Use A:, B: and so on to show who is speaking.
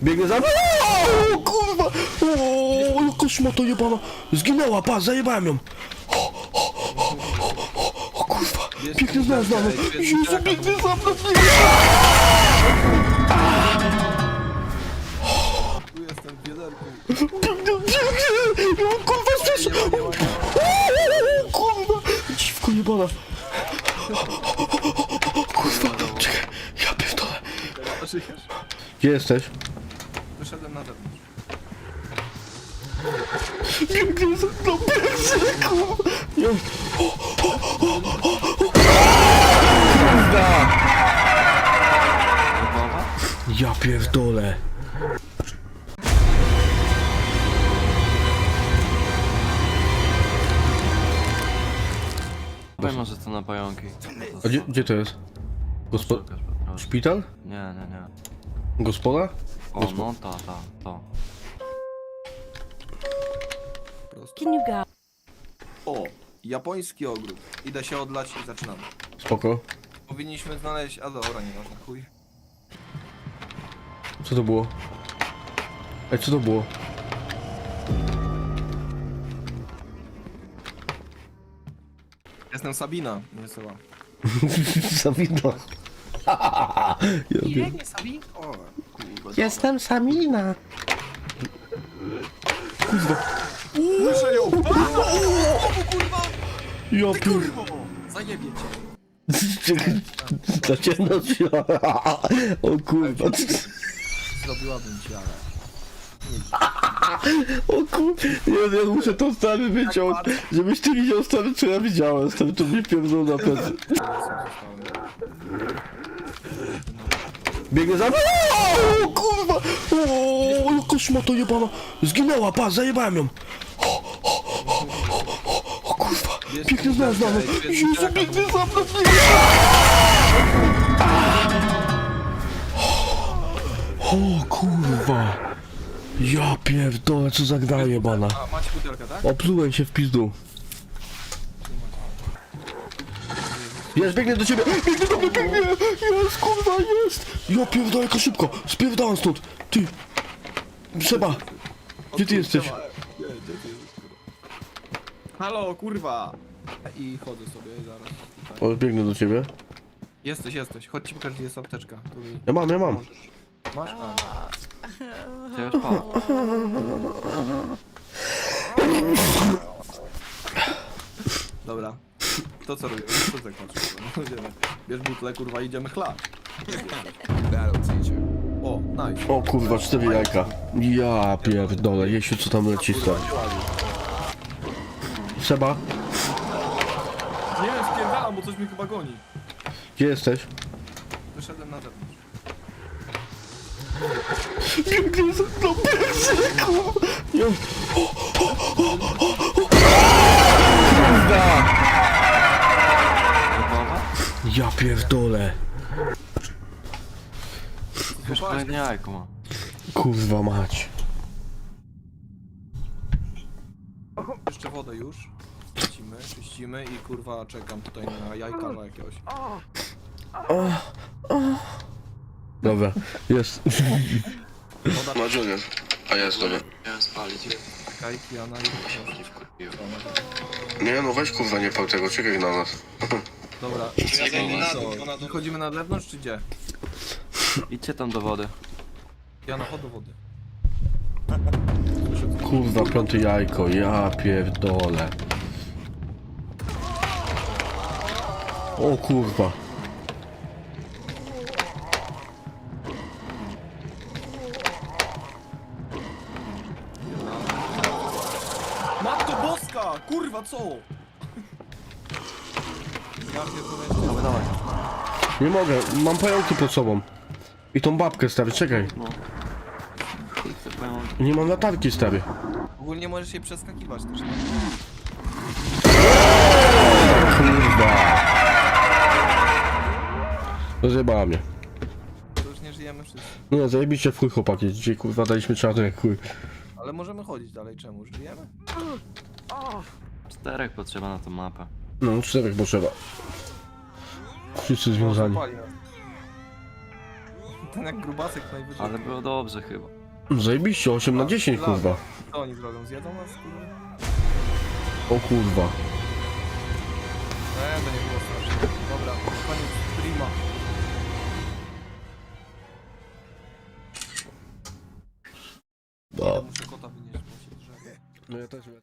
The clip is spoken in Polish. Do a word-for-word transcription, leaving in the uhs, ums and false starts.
A: Biegnie za mną! O, kurwa! O, jaka szmata jebana! Zginęła, pa, zajebałem ją! O, o, o, o, o kurwa! Biegnie za mną! Jezu, biegnie za mną!
B: Tu jestem w wiaderku.
A: Biegnie, biegnie! O, kurwa, stres! O, kurwa! Dziwko jebana! Kurwa, czekaj, ja pierdolę! Gdzie jesteś?
B: Wyszedłem na zewnątrz.
A: Biegnie za mną, biegnie, kurwa! Ja... O, o, o, o, o. Kurwa! Ja pierdolę!
C: Powiem może to na pająki.
A: A gdzie, gdzie to jest? Gospo...
C: Szukasz po prostu.
A: Szpital?
C: Nie, nie, nie.
A: Gospoda?
C: O,
A: Gospo-
C: no ta, ta, to.
B: Prosto.
D: Can you go?
B: O! Japoński ogród. Idę się odlać i zaczynamy.
A: Spoko.
B: Powinniśmy znaleźć... A dobra, nie ważne, chuj.
A: Co to było? Ej, co to było?
B: Jestem Sabina, nie Seba.
A: Sabina. Ja
B: Nie Sabina? O, kurwa.
A: Jestem Samina.
B: Słyszę ją! Kurwa!
A: Ja
B: Ty
A: pier...
B: kurwo! Zajebie cię.
A: To cię nosi. O kurwa.
B: Zrobiłabym ci, ale...
A: O kurwa. Ja, ja muszę to stary wyciąć. Żebyś ty widział stary, co ja widziałem. Stary, to mnie pierdolą na plecy. Biegnie za mną! O kurwa! O, jaka szmata jebana! Zginęła, pa, zajebałem ją! O, o, o, o, o, o kurwa! Biegnie za mną! Jezu, biegnie za mną! O kurwa! Ja pierdolę, co za gra jebana!
B: A, macie butelkę, tak?
A: Oplułem się w pizdu. Jest, biegnie do ciebie! Biegnie do mnie, biegnie! Jest, kurwa, jest! Ja pierdolę, jaka szybko! Spierdalam stąd! Ty! Seba! Gdzie ty jesteś?
B: Halo, kurwa! I chodzę sobie zaraz. Tutaj.
A: O, biegnę do ciebie.
B: Jesteś, jesteś. Chodź ci pokażę, gdzie jest apteczka. Tu mi...
A: Ja mam, ja mam.
B: Masz? A.
C: Ty już pa.
B: Dobra. To co robimy? Co tak patrzysz? No, idziemy. Bierz butlę, kurwa, idziemy chlać. O, nice.
A: O kurwa, cztery jajka. Ja pierdolę, Jesiu, co tam leci stary. Seba,
B: Nie wiem, spierdalam, bo coś mnie chyba goni.
A: gdzie jesteś?
B: Wyszedłem na zewnątrz.
A: Biegnie za mną, biegnie, kurwa! Ja... O, o, o, o, o. Kurwa!
C: Gotowa?
A: Ja pierdolę.
C: Już kolejne jajko ma.
A: Kurwa mać.
B: Jeszcze wodę już. Czyścimy, czyścimy i kurwa czekam tutaj na jajkarza jakiegoś.
A: Dobra, jest.
B: Woda,
A: Ma Junior. A jest, dobra.
C: Miałem spalić.
B: czekaj, Kiana i...
A: Nie no, weź kurwa nie pał tego, czekaj na nas.
B: Dobra, co? Wychodzimy na zewnątrz czy gdzie?
C: Idźcie tam do wody.
B: Kiana, chodź do wody.
A: Kurwa, piąte jajko, ja pierdolę. O kurwa.
B: Matko Boska! Kurwa, co? Ja pierdolę.
C: Dawaj, dawaj.
A: Nie mogę, mam pająki pod sobą. I tą babkę stary, czekaj.
C: No. Chuj, chcę pająki.
A: Nie mam latarki stary.
B: Ogólnie możesz się przeskakiwać też.
A: Kurwa. Rozjebała mnie.
B: To już nie żyjemy wszyscy.
A: No zajebiście w chuj chłopaki, dzisiaj kurwa daliśmy czarno jak chuj.
B: Ale możemy chodzić dalej, czemu? Już żyjemy?
C: Czterech potrzeba na tą mapę.
A: No czterech potrzeba. Wszyscy związani.
B: Zapali nas. Ten jak grubasek najwyżej.
C: Ale było dobrze chyba.
A: Zajebiście, osiem na dziesięć, kurwa.
B: Co oni zrobią? Zjedzą nas, kurwa?
A: O kurwa.
B: Nie, to nie było straszne. Dobra, koniec streama.
A: No.
B: Muszę kota wynieść, bo się drzewie.
A: No ja też